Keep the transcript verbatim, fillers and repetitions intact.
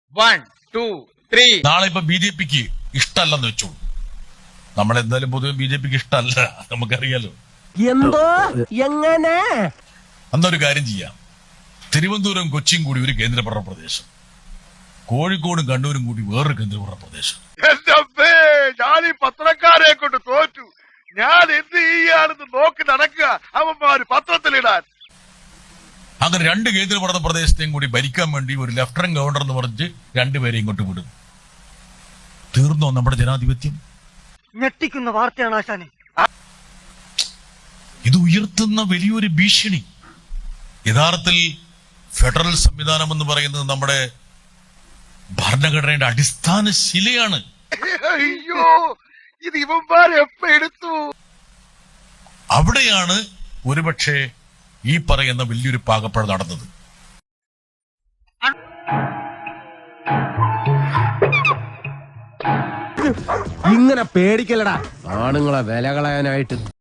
One two three. നാളെ ഇപ്പൊ B J പിക്ക് ഇഷ്ടമല്ലെന്ന് വെച്ചോളൂ. നമ്മളെന്തായാലും പൊതുവെ ബി ജെ പിക്ക് ഇഷ്ടമല്ല, നമുക്കറിയാലോ. എന്തോ എങ്ങനെ അന്നൊരു കാര്യം ചെയ്യാം. തിരുവനന്തപുരം കൊച്ചിയും കൂടി ഒരു കേന്ദ്രഭരണ പ്രദേശം, കോഴിക്കോടും കണ്ണൂരും കൂടി വേറൊരു കേന്ദ്രഭരണ പ്രദേശം. ഞാൻ ഈ പത്രക്കാരെ കൊണ്ട് തോറ്റു. ഞാൻ എന്ത് ചെയ്യാണെന്ന് നോക്കി നടക്കുക അവന്മാര് പത്രത്തിലിടാൻ. അങ്ങനെ രണ്ട് കേന്ദ്രഭരണ പ്രദേശത്തെയും കൂടി ഭരിക്കാൻ വേണ്ടി ഒരു ലഫ്റ്റനന്റ് ഗവർണർ എന്ന് പറഞ്ഞ് രണ്ടുപേരെ ഇങ്ങോട്ട് വിടും. തീർന്നോ നമ്മുടെ ജനാധിപത്യം? ഞെട്ടിക്കുന്ന വാർത്തയാണ് ആശാനെ. ഇത് ഉയർത്തുന്ന വലിയൊരു ഭീഷണി. യഥാർത്ഥത്തിൽ ഫെഡറൽ സംവിധാനം എന്ന് പറയുന്നത് നമ്മുടെ ഭരണഘടനയുടെ അടിസ്ഥാന ശിലയാണ്. അയ്യോ, ഇത് ഇവന്മാരെ എപ്പ എടുത്തു? അവിടെയാണ് ഒരുപക്ഷെ ഈ പറയുന്ന വലിയൊരു പാകപ്പഴ നടന്നത്. ഇങ്ങനെ പേടിക്കലടാ ആണുങ്ങളെ വില കളയാനായിട്ട്.